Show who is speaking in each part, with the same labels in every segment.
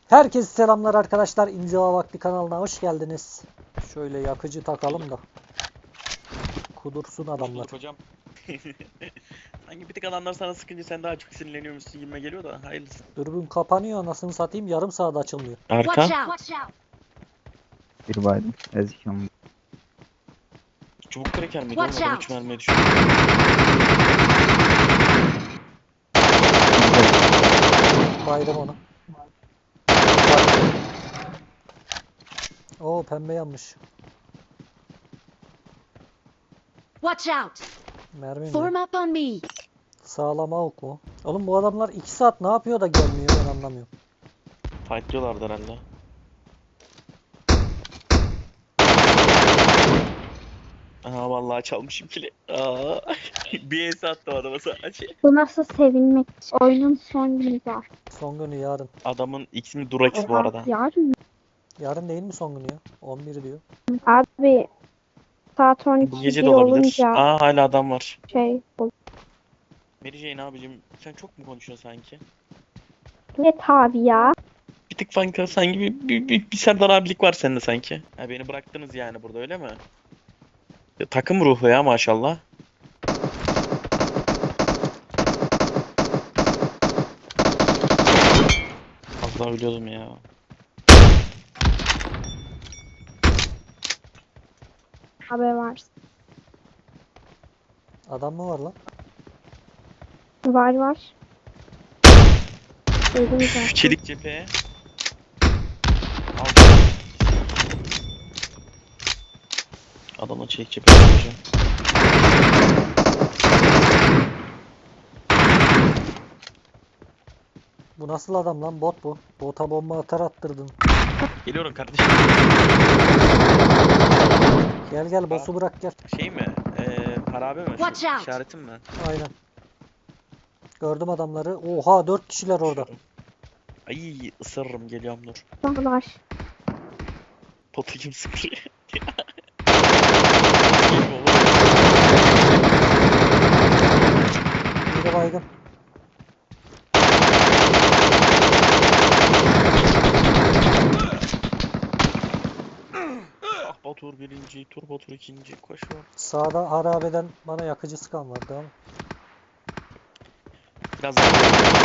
Speaker 1: Herkese selamlar arkadaşlar. İnziva Vakti kanalına hoş geldiniz. Şöyle yakıcı takalım da kudursun adamlar.
Speaker 2: Hocam. Sanki bir tık adamlar sana sıkınca sen daha çok sinirleniyormuşsun gibime geliyor da hayırlısı.
Speaker 1: Dürbün kapanıyor, anasını satayım, yarım saat açılmıyor.
Speaker 2: Arka.
Speaker 3: Bir baydım. Ezikam.
Speaker 2: Çubuk kreker miydi?
Speaker 4: Watch
Speaker 2: Olmadan
Speaker 4: out.
Speaker 2: 3 mermiye düşüyor.
Speaker 1: Baydım onu. Oo, pembe yanmış.
Speaker 4: Watch out!
Speaker 1: Mermi mi?
Speaker 4: Form up on me!
Speaker 1: Sağlam avuk mu? Oğlum bu adamlar 2 saat ne yapıyor da gelmiyor, ben anlamıyorum.
Speaker 2: Fight diyorlardı herhalde. Aha vallahi çalmışım kili. Aa. Bir es attı adama sadece.
Speaker 5: Bu nasıl sevinmek? Oyunun son günü var.
Speaker 1: Son günü yarın.
Speaker 2: Adamın ismi Durax bu arada.
Speaker 5: Yarın mı?
Speaker 1: Yarın değil mi son günü ya? 11 diyor.
Speaker 5: Abi saat
Speaker 2: Bu
Speaker 5: 12
Speaker 2: gece de
Speaker 5: gibi
Speaker 2: olabilir.
Speaker 5: olunca
Speaker 2: Aa hala adam var.
Speaker 5: şey olur.
Speaker 2: Mary Jane abicim sen çok mu konuşuyorsun sanki?
Speaker 5: Ne tabi ya?
Speaker 2: Bir tık sanki bir Serdar abilik var sende sanki. Ha, beni bıraktınız yani burada öyle mi? Ya, takım ruhu ya maşallah. Az daha ölüyordum ya.
Speaker 5: Haber var.
Speaker 1: Adam mı var lan?
Speaker 5: Var. Duydum zaten.
Speaker 2: Çelik cepheye. Aldım. Adamla çelik cepheye yapacağım.
Speaker 1: Bu nasıl adam lan? Bot bu. Bota bomba atar attırdın.
Speaker 2: Geliyorum kardeşim.
Speaker 1: Gel boss'u bırak gel.
Speaker 2: Şey mi? Harabe mi?
Speaker 4: Watch out.
Speaker 2: İşaretim mi?
Speaker 1: Aynen. Gördüm adamları. Oha, 4 kişiler orada.
Speaker 2: Ay ısırırım geliyorum dur.
Speaker 5: Var.
Speaker 2: Potu kim sıkıyor?
Speaker 1: Biri baygın.
Speaker 2: Ah Batur birinci, Tur Batur ikinci. Koş var.
Speaker 1: Sağda harabeden bana yakıcı sıkan vardı ama.
Speaker 2: Biraz daha.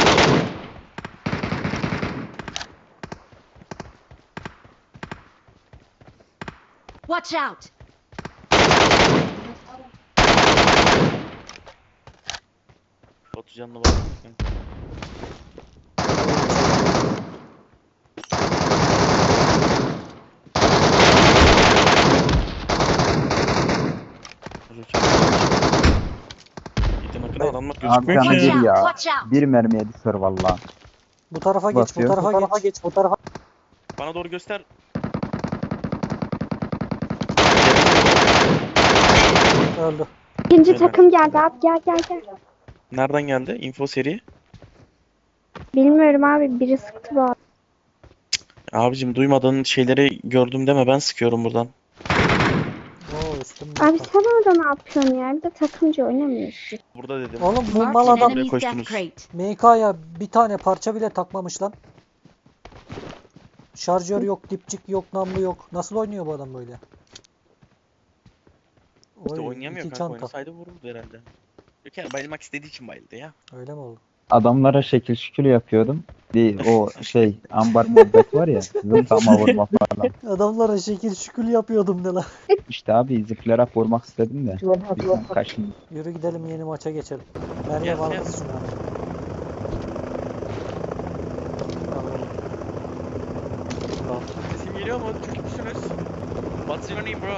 Speaker 4: Watch out!
Speaker 2: Batu canına baksana kanka. Gidin akına adamlar
Speaker 3: Abi
Speaker 2: gözükmüyor
Speaker 3: canı
Speaker 2: ki.
Speaker 3: bir ya.
Speaker 4: Watch out!
Speaker 3: Bir mermiye düşer valla.
Speaker 1: Bu tarafa geç,
Speaker 3: Basıyor.
Speaker 1: bu tarafa geç. Bu tarafa.
Speaker 2: Bana doğru göster.
Speaker 1: Öldü.
Speaker 5: İkinci
Speaker 2: Evet.
Speaker 5: takım geldi abi. Gel.
Speaker 2: Nereden geldi? Info seri.
Speaker 5: Bilmiyorum abi. Biri sıktı bu arada.
Speaker 2: Abicim duymadığın şeyleri gördüm deme ben sıkıyorum buradan.
Speaker 1: Oo, üstümde.
Speaker 5: Abi sen orada ne yapıyorsun ya? Bir de takımcı oynamıyorsun.
Speaker 2: Burada dedim.
Speaker 1: Oğlum bu
Speaker 4: Marked
Speaker 1: mal
Speaker 4: an
Speaker 1: adam
Speaker 4: enemy's
Speaker 2: koştunuz.
Speaker 4: death crate.
Speaker 1: MK'ya bir tane parça bile takmamış lan. Şarjör yok, dipçik yok, namlu yok. Nasıl oynuyor bu adam böyle?
Speaker 2: İşte
Speaker 1: Oy,
Speaker 2: oynayamıyor
Speaker 1: iki
Speaker 2: kanka.
Speaker 1: çanta.
Speaker 2: Oynasaydı vururdu herhalde. Yok yani bayılmak istediği için bayıldı ya.
Speaker 1: Öyle mi oldu?
Speaker 3: Adamlara şekil şükür yapıyordum. Bir o şey ambar muhabbet var ya. Zıplama vurma falan.
Speaker 1: Adamlara şekil şükür yapıyordum ne lan.
Speaker 3: İşte abi zıplayarak vurmak istedim de. Bizden kaçın.
Speaker 1: Yürü gidelim, yeni maça geçelim. Merve
Speaker 2: Gel,
Speaker 1: var
Speaker 2: gel.
Speaker 1: mısın abi? Al.
Speaker 2: Sesim geliyor mu? Çok kötüsünüz. What's your name bro?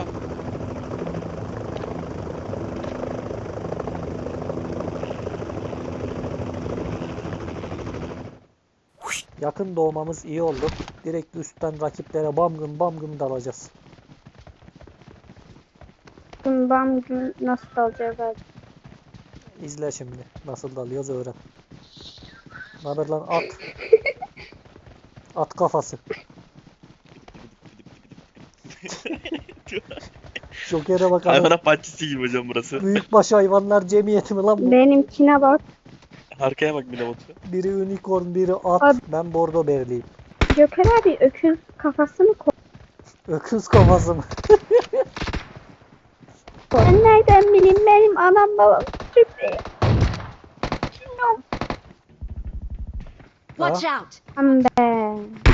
Speaker 1: Yakın doğmamız iyi oldu. Direkt üstten rakiplere bam gım dalacağız.
Speaker 5: Bundan gün nasıl alacağız abi?
Speaker 1: İzle şimdi. Nasıl dalıyoruz öğren. Naber lan at. At kafası. Joker'e bakalım.
Speaker 2: Hayvanat bahçesi gibi hocam burası.
Speaker 1: Büyükbaş hayvanlar cemiyeti mi lan bu?
Speaker 5: Benimkine bak.
Speaker 2: Arkaya bak bir de Batu.
Speaker 1: Biri unicorn, biri at.
Speaker 5: Abi.
Speaker 1: Ben bordo berliyim.
Speaker 5: Joker abi öküz kafası mı koy?
Speaker 1: Öküz kafası mı?
Speaker 5: Ben nereden bileyim benim anam babam Türk değil.
Speaker 4: Watch out!
Speaker 5: Aman be.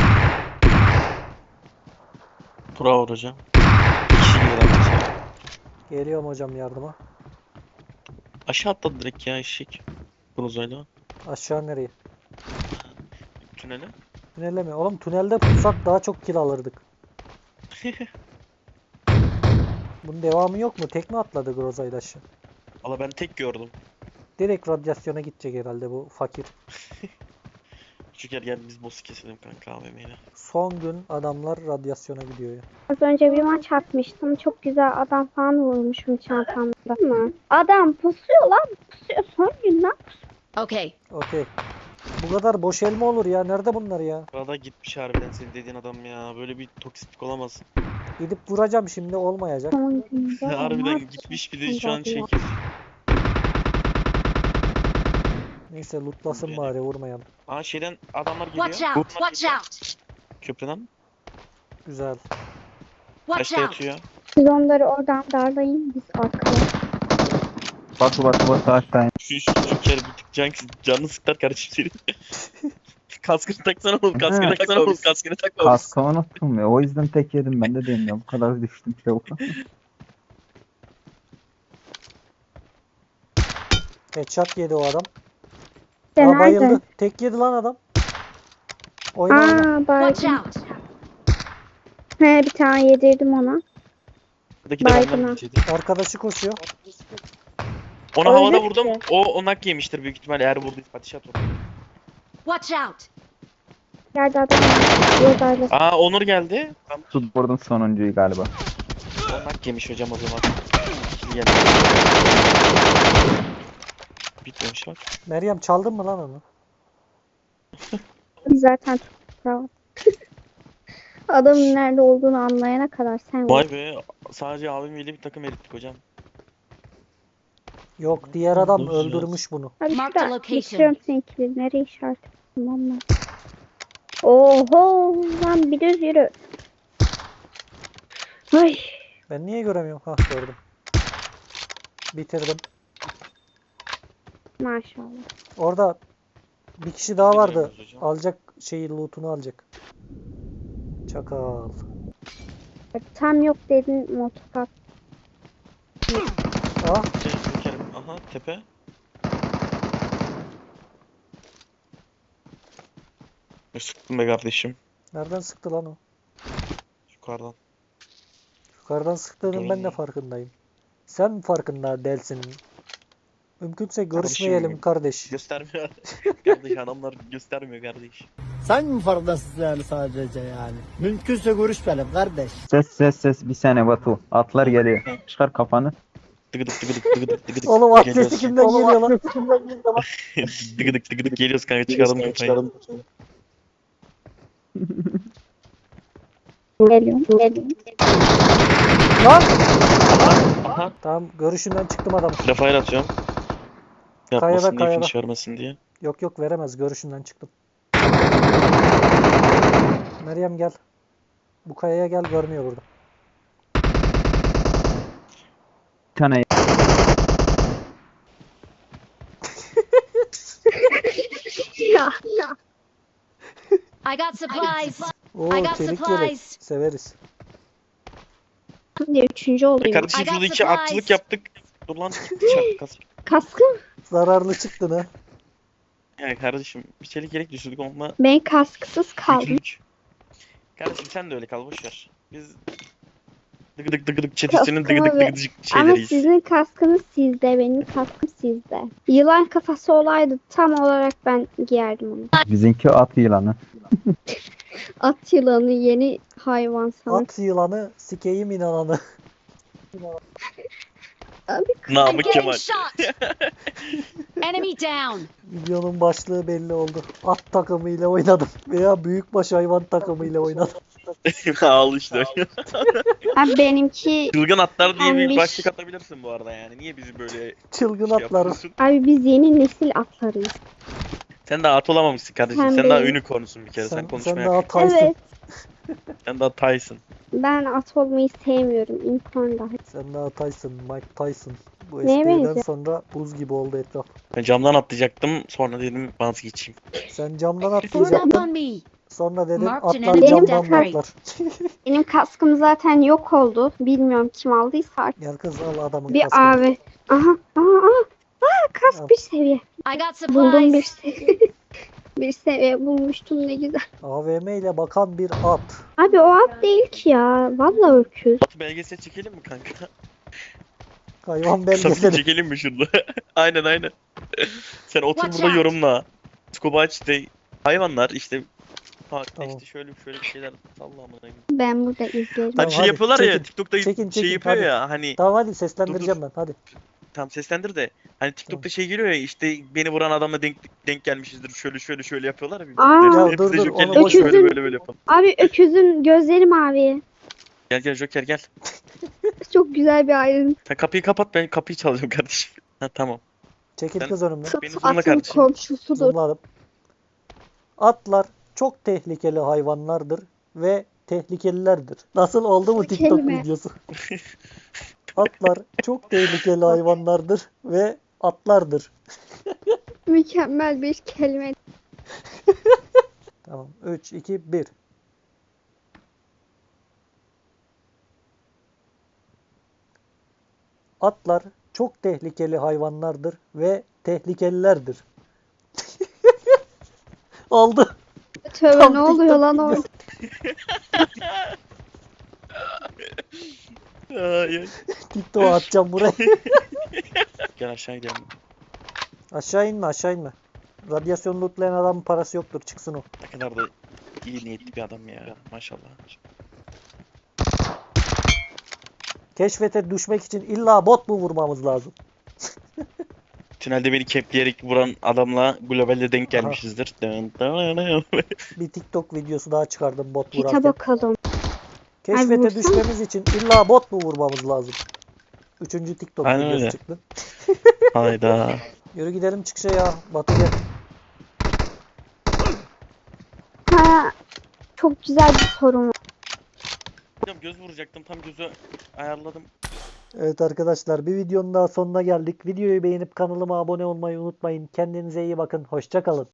Speaker 2: Bravo hocam. Kişi gibi arkadaşlar.
Speaker 1: Geliyorum hocam yardıma.
Speaker 2: Aşağı atladı direkt ya eşek. Brozayla.
Speaker 1: Aşağı nereye?
Speaker 2: Tünele.
Speaker 1: Tünelde mi? Oğlum tünelde pussak daha çok kill alırdık. Bunun devamı yok mu? Tek mi atladı Groza'yla aşağı?
Speaker 2: Valla ben tek gördüm.
Speaker 1: Direkt radyasyona gidecek herhalde bu fakir.
Speaker 2: Şeker gel biz boss'u keselim kanka AVM'yle.
Speaker 1: Son gün adamlar radyasyona gidiyor ya.
Speaker 5: Az önce bir maç atmıştım. Çok güzel adam falan vurmuşum çantamda. Değil mi? Adam pusuyor lan. Pusuyor. Son gün lan.
Speaker 4: Okay.
Speaker 1: Okey. Bu kadar boş elma olur ya. Nerede bunlar ya?
Speaker 2: Arada gitmiş harbiden senin dediğin adam ya. Böyle bir toksiklik olamaz.
Speaker 1: Gidip vuracağım şimdi olmayacak.
Speaker 5: Son günde.
Speaker 2: Harbiden
Speaker 5: olmaz.
Speaker 2: gitmiş bir de şu an şey.
Speaker 1: Neyse lootlasın bari vurmayalım.
Speaker 2: Aa şeyden adamlar geliyor.
Speaker 4: Watch out! Watch out!
Speaker 2: Köprüden.
Speaker 1: Güzel.
Speaker 4: Watch
Speaker 2: Taşta
Speaker 4: out!
Speaker 2: yatıyor.
Speaker 5: Siz onları oradan darlayın. Biz arkaya.
Speaker 3: Batu aşağı in.
Speaker 2: Şu kere bir tık canını sıktar kardeşim senin. Kaskını taksana oğlum, kaskını
Speaker 3: Ha.
Speaker 2: taksana oğlum, kaskını takma oğlum.
Speaker 3: Kaskı unuttum ya. O yüzden tek yedim ben de diyeyim ya. Bu kadar düştüm çabuk.
Speaker 1: Headshot yedi o adam.
Speaker 5: Sen
Speaker 1: Aa bayıldı.
Speaker 5: nerede?
Speaker 1: Tek yedi lan adam. Oyna oyna.
Speaker 4: Watch
Speaker 5: Baygın.
Speaker 4: out!
Speaker 5: He bir tane yedirdim ona.
Speaker 2: Buradaki de
Speaker 5: Baygın'a.
Speaker 2: benden geçeydi.
Speaker 1: Arkadaşı koşuyor.
Speaker 2: Ona
Speaker 5: Öyle
Speaker 2: havada
Speaker 5: mi?
Speaker 2: vurdum. O nak yemiştir büyük ihtimalle eğer vurduysa ateş at onu.
Speaker 4: Watch out!
Speaker 5: Yerde adam var. Diye darlasın.
Speaker 2: Aa Onur geldi. Tam
Speaker 3: Tut vurdum sonuncuyu galiba.
Speaker 2: o nak yemiş hocam o zaman. İkili geldi. Bitmemiş bak.
Speaker 1: Meryem çaldın mı lan onu?
Speaker 5: Biz zaten bravo. Adamın nerede olduğunu anlayana kadar sen vur.
Speaker 2: Vay be, sadece abimiyle bir takım erittik hocam.
Speaker 1: Yok diğer adam
Speaker 2: Dur, dur.
Speaker 1: öldürmüş bunu.
Speaker 5: Hadi
Speaker 4: Mark the
Speaker 5: şurada
Speaker 4: location.
Speaker 5: bitiriyorum seninkileri. Nereye işaret ettim valla. Oho lan bir düz yürü. Ay.
Speaker 1: Ben niye göremiyorum? Hah gördüm. Bitirdim.
Speaker 5: Maşallah.
Speaker 1: Orada bir kişi daha vardı.
Speaker 2: Bilmiyoruz hocam.
Speaker 1: Alacak şeyi lootunu alacak. Çakal.
Speaker 5: Tam yok dedin motokat.
Speaker 1: Ah
Speaker 2: Şekerim. Aha tepe. Sıktım be kardeşim.
Speaker 1: nereden sıktı lan o?
Speaker 2: Yukarıdan.
Speaker 1: Yukarıdan sıktığının ben de
Speaker 2: Görünmüyor.
Speaker 1: farkındayım. Sen mi farkında delsin? Mümkünse görüşmeyelim
Speaker 2: Kardeşim,
Speaker 1: kardeş.
Speaker 2: Göstermiyor. Kardeş adamlar göstermiyor kardeş.
Speaker 6: Sen mi farkındasın yani sadece yani? Mümkünse görüşmeyelim kardeş.
Speaker 3: Ses bir saniye Batu. Atlar geliyor. Çıkar kafanı.
Speaker 2: Tıgıdık tıgıdık tıgıdık tıgıdık.
Speaker 1: Oğlum atleti
Speaker 2: Geliyoruz.
Speaker 1: kimden geliyor lan?
Speaker 2: Tıgıdık tıgıdık geliyoruz kanka, çıkaralım kafayı.
Speaker 5: Geliyorum.
Speaker 1: Lan!
Speaker 2: Aha.
Speaker 1: Tamam görüşünden çıktım adam.
Speaker 2: Rafael atıyorum. Yapmasın
Speaker 1: Kayada,
Speaker 2: diye,
Speaker 1: kayada.
Speaker 2: finish vermesin diye.
Speaker 1: Yok veremez görüşünden çıktım. Meryem gel. Bu kayaya gel görmüyor burada.
Speaker 3: Bir tane
Speaker 5: Ya.
Speaker 4: I got supplies!
Speaker 1: Oo
Speaker 4: I got
Speaker 1: çelik yelek.
Speaker 4: supplies.
Speaker 1: Severiz.
Speaker 5: Şimdi üçüncü olayım.
Speaker 2: Kardeşim
Speaker 4: I got
Speaker 2: şurada iki
Speaker 4: supplies.
Speaker 2: atçılık yaptık. Dur lan çarptı kask.
Speaker 5: Kaskım.
Speaker 1: Zararlı çıktın ha.
Speaker 2: Yani kardeşim bir çelik yelek düşürdük onunla
Speaker 5: Ben kasksız kaldım.
Speaker 2: yükümlük. Kardeşim sen de öyle kal boşver. Biz dıgıdık dıgıdık çetesinin
Speaker 5: Kaskımı
Speaker 2: dıgıdık
Speaker 5: ve-
Speaker 2: dıgıdık
Speaker 5: Ama
Speaker 2: şeyleriyiz.
Speaker 5: sizin kaskınız sizde, benim kaskım sizde. Yılan kafası olaydı tam olarak ben giyerdim onu.
Speaker 3: bizimki at yılanı.
Speaker 5: At yılanı yeni hayvan sana.
Speaker 1: At yılanı sikeyim inananı.
Speaker 5: Abi
Speaker 4: I'm
Speaker 2: Namık
Speaker 4: getting
Speaker 2: Kemal.
Speaker 4: shot! Enemy down!
Speaker 1: Videonun başlığı belli oldu. At takımıyla oynadım. Veya büyükbaş hayvan takımıyla oynadım.
Speaker 2: Al işte.
Speaker 5: abi benimki
Speaker 2: Çılgın atlar diye bir
Speaker 5: Pembiş.
Speaker 2: başlık atabilirsin bu arada yani. Niye bizi böyle
Speaker 1: Çılgın
Speaker 2: şey
Speaker 1: atlar.
Speaker 2: yapıyorsun?
Speaker 5: abi biz yeni nesil atlarıyız.
Speaker 2: Sen daha at olamamışsın kardeşim.
Speaker 5: Sen
Speaker 2: Sen daha
Speaker 5: değil.
Speaker 2: unicornsun bir kere. Sen
Speaker 1: Sen
Speaker 2: konuşmaya
Speaker 1: daha Tyson.
Speaker 5: Evet.
Speaker 2: Sen daha Tyson.
Speaker 5: Ben at olmayı sevmiyorum. İnsan dahi.
Speaker 1: Sen daha Tyson, Mike Tyson. Bu
Speaker 5: Neye
Speaker 1: espriden
Speaker 5: benziyor?
Speaker 1: sonra buz gibi oldu etraf.
Speaker 2: Ben camdan atlayacaktım. Sonra dedim vazgeçeyim.
Speaker 1: Sen camdan
Speaker 4: Form up
Speaker 1: atlayacaktın.
Speaker 4: on me.
Speaker 1: Sonra dedin
Speaker 4: Marked an
Speaker 1: atlar
Speaker 4: enemy
Speaker 1: camdan
Speaker 4: death
Speaker 1: mı
Speaker 4: rate.
Speaker 1: atlar?
Speaker 5: Benim kaskım zaten yok oldu. Bilmiyorum kim aldıysa artık.
Speaker 1: Gel kız al adamın
Speaker 5: Bir
Speaker 1: kaskını.
Speaker 5: abi. Aha.
Speaker 1: Al.
Speaker 5: Kask bir seviye.
Speaker 4: I got
Speaker 5: Buldum bir
Speaker 4: supplies.
Speaker 5: seviye. Bir seviye bulmuştum ne güzel.
Speaker 1: AVM ile bakan bir at.
Speaker 5: Abi o at değil ki ya. Vallahi öküz.
Speaker 2: At belgesel çekelim mi kanka?
Speaker 1: Hayvan
Speaker 2: Satın
Speaker 1: belgeseli.
Speaker 2: çekelim mi şurada? Aynen. Sen otur
Speaker 4: Watch
Speaker 2: burada
Speaker 4: out.
Speaker 2: yorumla. Scuba işte hayvanlar işte parkta
Speaker 1: Tamam.
Speaker 2: işte şöyle bir şeyler sallamına gibi.
Speaker 5: Ben burada izlerim.
Speaker 2: Hani şey
Speaker 1: hadi,
Speaker 2: yapıyorlar ya
Speaker 1: çekin.
Speaker 2: TikTok'ta
Speaker 1: Çekin,
Speaker 2: şey
Speaker 1: çekin,
Speaker 2: yapıyor
Speaker 1: hadi.
Speaker 2: ya hani
Speaker 1: Tamam hadi seslendireceğim ben hadi.
Speaker 2: tam seslendir de hani TikTok'ta şey geliyor ya işte beni vuran adamla denk gelmişizdir şöyle yapıyorlar ya.
Speaker 5: Aa.
Speaker 2: Hepsi
Speaker 1: Ya dur,
Speaker 2: de
Speaker 1: dur,
Speaker 2: Joker'le
Speaker 1: onu boş
Speaker 5: ver.
Speaker 2: böyle yapalım.
Speaker 5: Abi öküzün gözleri mavi.
Speaker 2: Gel Joker gel.
Speaker 5: Çok güzel bir ayrıntı.
Speaker 2: Sen kapıyı kapat ben kapıyı çalacağım kardeşim. Ha tamam.
Speaker 1: Çekil
Speaker 2: Sen-
Speaker 1: kız önümden.
Speaker 2: Beni zoomla
Speaker 5: Atın
Speaker 2: kardeşim.
Speaker 5: komşusudur.
Speaker 1: Zoomladım. Atlar çok tehlikeli hayvanlardır ve tehlikelilerdir. Nasıl oldu mu
Speaker 5: Bu
Speaker 1: TikTok
Speaker 5: kelime.
Speaker 1: videosu? Atlar çok tehlikeli hayvanlardır ve atlardır.
Speaker 5: Mükemmel bir kelime.
Speaker 1: Tamam. 3, 2, 1. Atlar çok tehlikeli hayvanlardır ve tehlikelilerdir. Oldu.
Speaker 5: Tövbe
Speaker 1: Tam
Speaker 5: ne oluyor
Speaker 1: TikTok
Speaker 5: lan
Speaker 1: videosu.
Speaker 5: orada?
Speaker 2: Ay.
Speaker 1: TikTok'a atacağım buraya.
Speaker 2: Gel aşağı gidelim.
Speaker 1: Aşağı inme, aşağı inme. Radyasyon lootlayan adamın parası yoktur. Çıksın o.
Speaker 2: Ne kadar da iyi niyetli bir adam ya maşallah.
Speaker 1: Keşfete düşmek için illa bot mu vurmamız lazım?
Speaker 2: Tünelde beni kepleyerek vuran adamla globalde denk
Speaker 1: Aha.
Speaker 2: gelmişizdir. Dın dın dın.
Speaker 1: Bir TikTok videosu daha çıkardım bot
Speaker 5: Pita
Speaker 1: vurarken.
Speaker 5: bakalım.
Speaker 1: Keşfete
Speaker 5: vursana.
Speaker 1: düşmemiz için illa bot mu vurmamız lazım? Üçüncü TikTok
Speaker 2: Aynen
Speaker 1: videosu
Speaker 2: öyle.
Speaker 1: çıktı.
Speaker 2: Hayda.
Speaker 1: Yürü gidelim çıkışa ya. Batı gel.
Speaker 5: Ha, çok güzel bir sorum var.
Speaker 2: Hocam göz vuracaktım tam gözü ayarladım.
Speaker 1: Evet arkadaşlar bir videonun daha sonuna geldik. Videoyu beğenip kanalıma abone olmayı unutmayın. Kendinize iyi bakın. Hoşça kalın.